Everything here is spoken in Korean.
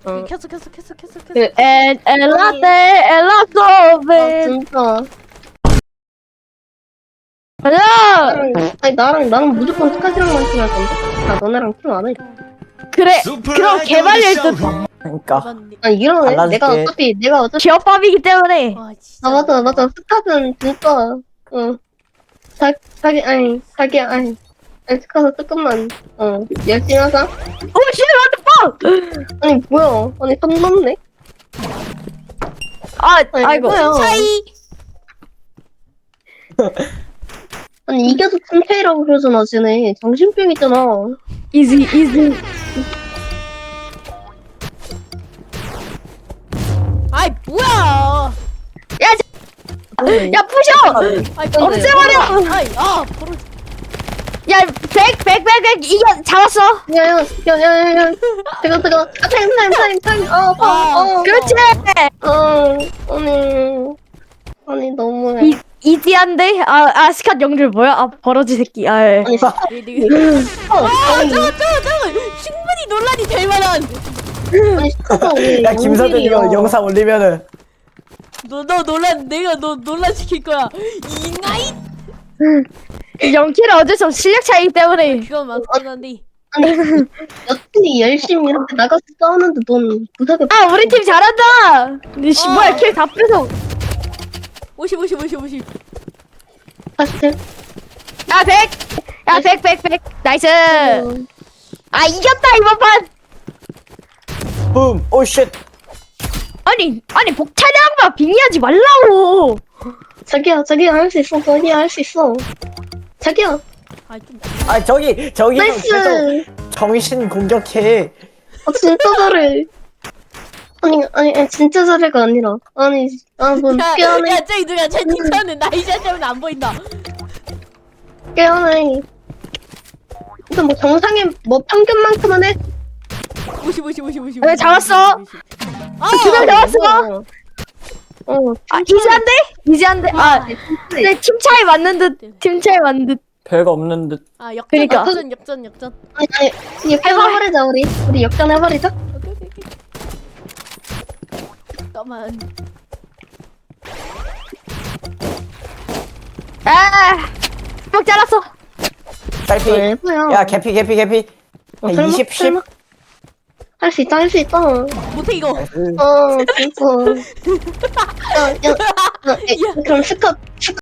켰어. 엘라소베. 진짜. 가자. 나랑 무조건 스카시랑만 팀할 건데. 나 너네랑 팀 안 해. 그래. 그럼 개발일 듯. 그러니까 아니 이러네. 달라질게. 내가 어차피 기업밥이기 때문에. 와 진짜. 아 맞아. 스카는 진짜 자기 스카서 조금만 열심히 하자. 오 씨, what 아니 뭐야? 아니 선 넘네. 아이고. 뭐야? 차이. 아니 이겨도 팀차이라고 그러잖아 쟤네. 정신병 있잖아. 이지. 아이 뭐야. 야 부셔. 아이 없애버려. 아이 버려. 야, 백 이겨 잡았어. 야야야야. 뜨거. 타임. 그렇지. 아니 너무해. 이지한데? 스캇 영줄 뭐야? 버러지 새끼. 아니 잠깐. 충분히 논란이 될 만한. 아니 스카가 왜 야 김서준 이거 영상 올리면은 내가 너 논란 시킬 거야. 이나이. 영킬은 어쩔 수 없이 실력 차이기 때문에. 그건 맞긴 한데. 아니 여친이 열심히 이렇게 나가서 싸우는데 넌 구석에 우리 팀 잘한다. 근데 뭐야 킬 다 뺏어. 50. 봤을 야 100 나이스. 이겼다 이번 판. 붐 오쉣 아니 복차량만 빙의하지 말라고. 자기야 할 수 있어. 자기야 좀. 아 저기 계속 나이스. 정신 공격해 진짜 잘해. 아니 진짜 잘해가 아니라 뭐 깨어내 야 저기 누가 채팅창에 나이샷 때문에 안 보인다. 깨어내. 근데 뭐 정상에 뭐 평균만큼은 해. 50. 네, 잡았어. 두명 잡았어. 이지한데? 근데 팀 차이 맞는 듯. 별거 없는 듯 그러니까. 역전. 아니 해버리자 우리 역전해버리자. 오케이. 잠깐만. 목 잘랐어. 딸피 뭐야? 야 개피 20 10 할 수 있다. 못해 이거. 진짜. 그럼 스카